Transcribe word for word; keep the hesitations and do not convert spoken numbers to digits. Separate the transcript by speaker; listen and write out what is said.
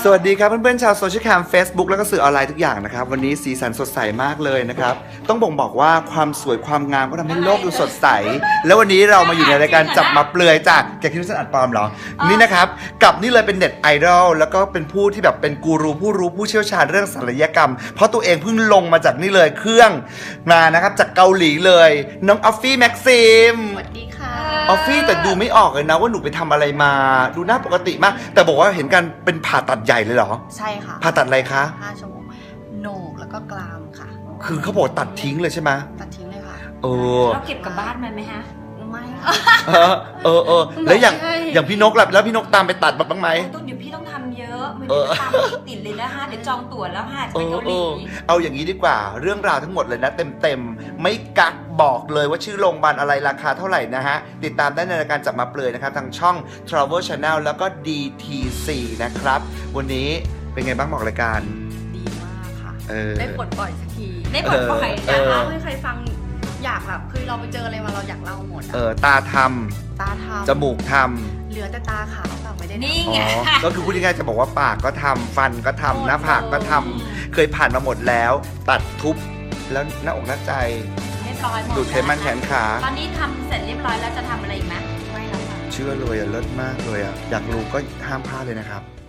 Speaker 1: สวัสดีครับเพื่อนๆชาวโซเชียลแคม Facebook แล้วก็สื่อออนไลน์ทุกอย่างนะครับวันนี้สีสันสดใสมากเลยนะครับต้องบ่งบอกว่าความสวยความงามก็ทำให้โลกดูสดใสแล้ววันนี้เรามาอยู่ในรายการจับมาเปลือยจากแกคิดว่าฉันอัดปลอมเหรอนี่นะครับกับนี่เลยเป็นเน็ตไอดอลแล้วก็เป็นผู้ที่แบบเป็นกูรูผู้รู้ผู้เชี่ยวชาญเรื่องศัลยกรรมเพราะตัวเองเพิ่งลงมาจากนี่เลยเครื่องมานะครับจากเกาหลีเลยน้องออฟฟี่แม็กซิม
Speaker 2: สวัสดีค่ะ
Speaker 1: ออฟฟี่แต่ดูไม่ออกเลยนะว่าหนูไปทำอะไรมาดูหน้าปกติมากแต่บอกว่าเห็นกันเป็นผ่าตัดใหญ่เลยเหรอ
Speaker 2: ใช่ค่ะ
Speaker 1: ผ่าตัดอะไรคะ
Speaker 2: ห้าชั่วโมงโหนกแล้วก็กรามค่ะ
Speaker 1: คือเขาบอกตัดทิ้งเลยใช่ไหม
Speaker 2: ตัดทิ้งเลยค่ะ
Speaker 1: เออ
Speaker 3: เราเก็บกลับบ้านมันไหมฮะ
Speaker 2: ไม่
Speaker 1: เออเออเออแล้วอย่างอย่างพี่นกล่ะแล้วพี่นกตามไปตัดบ้างไหม
Speaker 3: ต้องเดี๋ยวพี่ต้องทำเยอะมันจะตามติดเลยนะฮะเดี๋ยวจองตั๋วแล้วฮะจะไปเกาหลี
Speaker 1: เอาอย่างนี้ดีกว่าเรื่องราวทั้งหมดเลยนะเต็มๆไม่กักบอกเลยว่าชื่อโรงพยาบาลอะไรราคาเท่าไหร่นะฮะติดตามได้ในรายการจับมาเปลือยนะครับทางช่อง Travel Channel แล้วก็ ดี ที ซี นะครับวันนี้เป็นไงบ้างบอกรายการ
Speaker 2: ดีมากค่ะ
Speaker 1: ออ
Speaker 2: ได้ปลดปล่อยสักที
Speaker 3: ได้ปลดปล่อย
Speaker 2: อยากเล่าให้ใครฟังอยากแบบคือเราไปเจออะไรมาเราอยากเล่าหมด
Speaker 1: เออตาท
Speaker 2: ำตาทำ
Speaker 1: จมูกท
Speaker 2: ำเหลือแต่ตาขาวเปล่าไม่ได้
Speaker 3: นี่
Speaker 1: ำอ๋
Speaker 3: ไง
Speaker 1: อก็คือพูดง่ายๆจะบอกว่าปากก็ทำฟันก็ทำหน้าผากก็ทำเคยผ่านมาหมดแล้วตัดทุบแล้วหน้าอกหน้าใจ
Speaker 3: เรียบร้อยหมด
Speaker 1: ดูดไขมันแขนขา
Speaker 3: ตอนนี้ทำเสร็จเรียบร้อยแล้วจะทำอะไรอีกไหม
Speaker 2: ไม่แล้วค่ะ
Speaker 1: เชื่อเลยอะเลิศมากเลยอะอยากรู้ก็ห้ามพลาดเลยนะครับ